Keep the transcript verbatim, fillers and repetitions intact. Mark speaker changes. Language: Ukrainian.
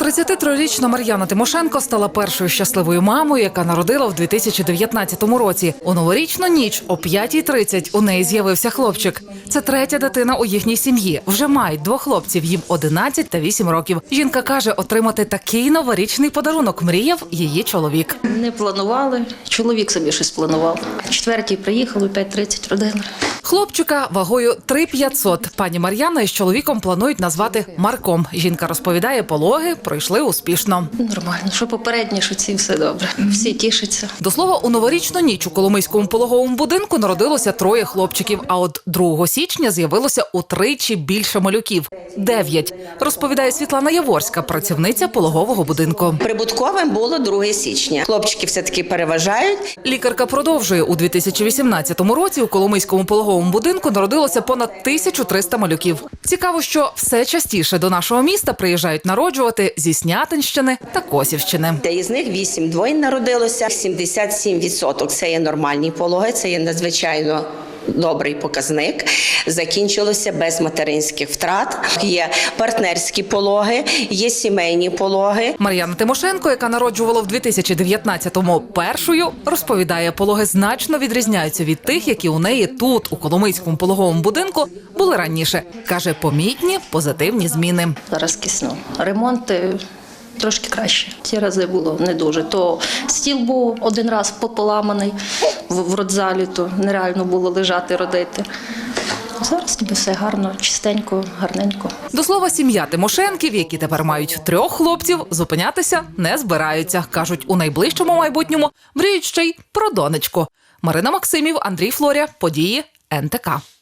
Speaker 1: тридцятитрирічна Мар'яна Тимошенко стала першою щасливою мамою, яка народила в дві тисячі дев'ятнадцятому році. У новорічну ніч о п'ятій тридцять у неї з'явився хлопчик. Це третя дитина у їхній сім'ї. Вже мають двох хлопців, їм одинадцять та вісім років. Жінка каже, отримати такий новорічний подарунок мріяв її чоловік.
Speaker 2: Не планували, чоловік собі щось планував. О четвертій приїхали, о п'ятій тридцять родина.
Speaker 1: Хлопчика вагою три п'ятсот пані Мар'яна із чоловіком планують назвати Марком. Жінка розповідає, пологи пройшли успішно.
Speaker 2: Нормально, що попередні, що ці все добре. Всі тішаться.
Speaker 1: До слова, у новорічну ніч у Коломийському пологовому будинку народилося троє хлопчиків, а от другого січня з'явилося утричі більше малюків – дев'ять, розповідає Світлана Яворська, працівниця пологового будинку.
Speaker 3: Прибутковим було друге січня. Хлопчики все-таки переважають.
Speaker 1: Лікарка продовжує, у дві тисячі вісімнадцятому році у Коломийському пологовому будинку народилося понад тисячу триста малюків. Цікаво, що все частіше до нашого міста приїжджають народжувати зі Снятинщини та Косівщини.
Speaker 3: Із них вісім двоїн народилося, сімдесят сім відсотків. Це є нормальні пологи, це є надзвичайно добрий показник. Закінчилося без материнських втрат. Є партнерські пологи, є сімейні пологи.
Speaker 1: Мар'яна Тимошенко, яка народжувала в дві тисячі дев'ятнадцятому першою, розповідає, пологи значно відрізняються від тих, які у неї тут, у Коломийському пологовому будинку, були раніше. Каже, помітні позитивні зміни.
Speaker 2: Зараз кисно. Ремонти трошки краще. Ці рази було не дуже. То стіл був один раз поламаний в, в родзалі, то нереально було лежати, родити. Зараз ніби все гарно, чистенько, гарненько.
Speaker 1: До слова, сім'я Тимошенків, які тепер мають трьох хлопців, зупинятися не збираються. Кажуть, у найближчому майбутньому мріють ще й про донечку. Марина Максимів, Андрій Флоря, події ен те ка.